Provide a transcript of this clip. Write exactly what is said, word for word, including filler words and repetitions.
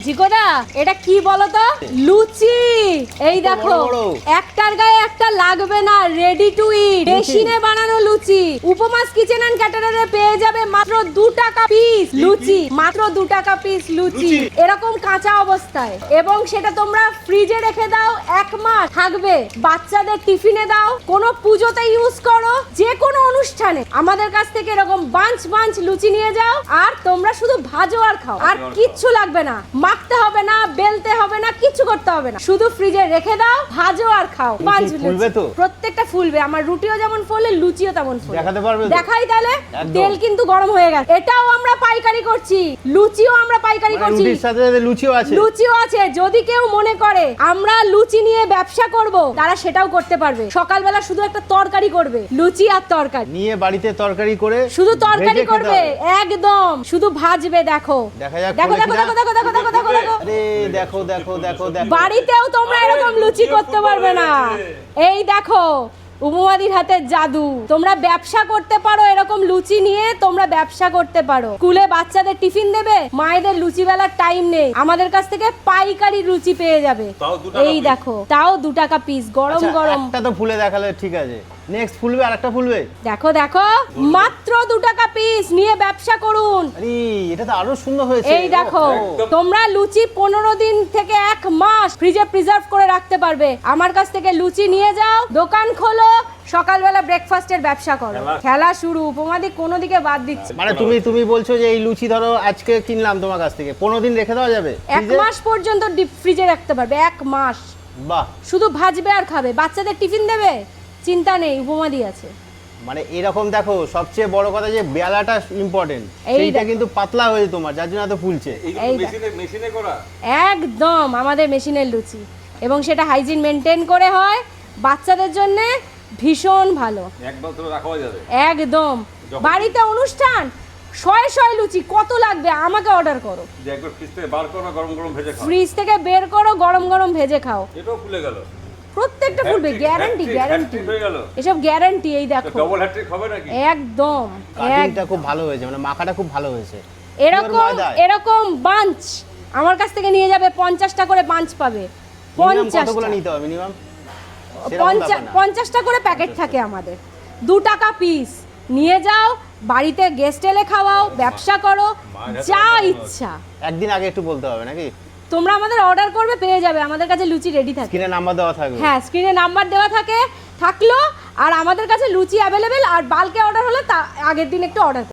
জিকোদা এটা কি বলতো? লুচি। এই দেখো একটার গায়ে একটা লাগবে না, রেডি টু ইট, মেশিনে বানানো লুচি। উপমাস কিচেন এন্ড ক্যাটারারে পেয়ে যাবে মাত্র দু টাকা পিস লুচি, মাত্র দু টাকা পিস লুচি এরকম কাঁচা অবস্থায়, এবং সেটা তোমরা ফ্রিজে রেখে দাও, এক মাস থাকবে। বাচ্চাদের টিফিনে দাও, কোনো পুজোতে ইউজ করো, যে কোনো অনুষ্ঠানে আমাদের কাছ থেকে এরকম বাঞ্চ বাঞ্চ লুচি নিয়ে যাও, আর তোমরা শুধু ভাজো আর খাও, আর কিচ্ছু লাগবে না, মাখতে হবে না, বেলতে হবে না, কিছু করতে হবে না, শুধু ফ্রিজে রেখে দাও, ভাজো আর খাও। পাঁচ ফুলবে তো, প্রত্যেকটা ফুলবে। আমার রুটিও যেমন ফোলে, লুচিও তেমন ফোলে। দেখাতে পারবে? দেখাই তাহলে। তেল কিন্তু গরম হয়ে গেছে। এটাও আমরা পাইকারি করছি, লুচিও আমরা পাইকারি করছি, রুটির সাথে লুচিও আছে। লুচিও আছে। যদি কেউ মনে করে আমরা লুচি নিয়ে ব্যবসা করব, তারা সেটাও করতে পারবে। সকালবেলা শুধু একটা তরকারি করবে, লুচি আর তরকারি নিয়ে বাড়িতে তরকারি করে, শুধু তরকারি করবে, একদম শুধু ভাজবে। দেখো দেখা যাক, দেখো দেখো দেখো দেখো দেখো দেখো দেখো দেখো আরে দেখো দেখো দেখো দেখো, বাড়িতেও তোমরা এরকম লুচি করতে পারবে না। এই দেখো উপমাদির হাতে জাদু। তোমরা ব্যবসা করতে পারো, এরকম লুচি নিয়ে তোমরা ব্যবসা করতে পারো। স্কুলে বাচ্চাদের টিফিন দেবে, মায়েদের লুচি বেলার টাইম নেই, আমাদের কাছ থেকে পাইকারি লুচি পেয়ে যাবে। এই দেখো, তাও দু টাকা পিস, গরম গরম। একটা তো ফুলে দেখালে ঠিক আছে, নেক্সট ফুলবে আরেকটা ফুলবে। দেখো দেখো, মাত্র দু টাকা পিস, নিয়ে ব্যবসা করুন। আরে এটা তো আরো সুন্দর হয়েছে। এই দেখো, তোমরা লুচি পনেরো দিন থেকে এক মাস ফ্রিজে প্রিজার্ভ করে রাখতে পারবে। আমার কাছ থেকে লুচি নিয়ে যাও, দোকান খোলো, সকালবেলা ব্রেকফাস্টের ব্যবসা করো। খেলা শুরু। উপমাদি কোনো দিকে বাদ দিচ্ছে। মানে তুমি তুমি বলছো যে এই লুচি ধরো আজকে কিনলাম তোমার কাছ থেকে, পনেরো দিন রেখে দেওয়া যাবে, এক মাস পর্যন্ত ডিপ ফ্রিজে রাখতে পারবে, এক মাস। বাহ, শুধু ভাজবে আর খাবে। বাচ্চাদের টিফিন দেবে, চিন্তা নেই, উপমাদি আছে। মানে এরকম দেখো, সবচেয়ে বড় কথা যে বেলাটা ইম্পর্টেন্ট, এইটা কিন্তু পাতলা হয়েছে তোমার, যার জন্য এত ফুলছে। এই মেশিনে করা, একদম আমাদের মেশিনের লুচি, এবং সেটা হাইজিন মেনটেন করে হয়। বাচ্চাদের জন্য ভীষণ ভালো, একবার তো রাখা যাবে একদম। বাড়িতে অনুষ্ঠান, শয়ে শয়ে লুচি কত লাগবে আমাকে অর্ডার করো, যে একবার ফ্রিজ থেকে বার করো, গরম গরম ভেজে খাও। ফ্রিজ থেকে বের করো, গরম গরম ভেজে খাও। এটাও ফুলে গেল, প্রত্যেকটা ফুলবে, গ্যারান্টি গ্যারান্টি হয়ে গেল এসব গ্যারান্টি। এই দেখো ডবল হ্যাট্রিক হবে নাকি? একদম, কাটিংটা খুব ভালো হয়েছে, মানে মাখাটা খুব ভালো হয়েছে। এরকম এরকম বাঞ্চ আমার কাছ থেকে নিয়ে যাবে, পঞ্চাশটা করে বাঞ্চ পাবে। কতগুলো নিতে হবে মিনিমাম? পঞ্চাশটা করে প্যাকেট থাকে আমাদের, দু টাকা পিস। নিয়ে যাও, বাড়িতে গেস্ট এলে খাওয়াও, ব্যবসা করো, যা ইচ্ছা। একদিন আগে একটু বলতে হবে নাকি? তোমরা আমাদের অর্ডার করবে, পেয়ে যাবে। আমাদের কাছে লুচি রেডি থাকে, স্ক্রিনে নাম্বার দেওয়া থাকবে। হ্যাঁ, স্ক্রিনে নাম্বার দেওয়া থাকে, থাকলো। আর আমাদের কাছে লুচি অ্যাভেলেবেল, আর বাল্কে অর্ডার হলে তা আগের দিন একটু অর্ডার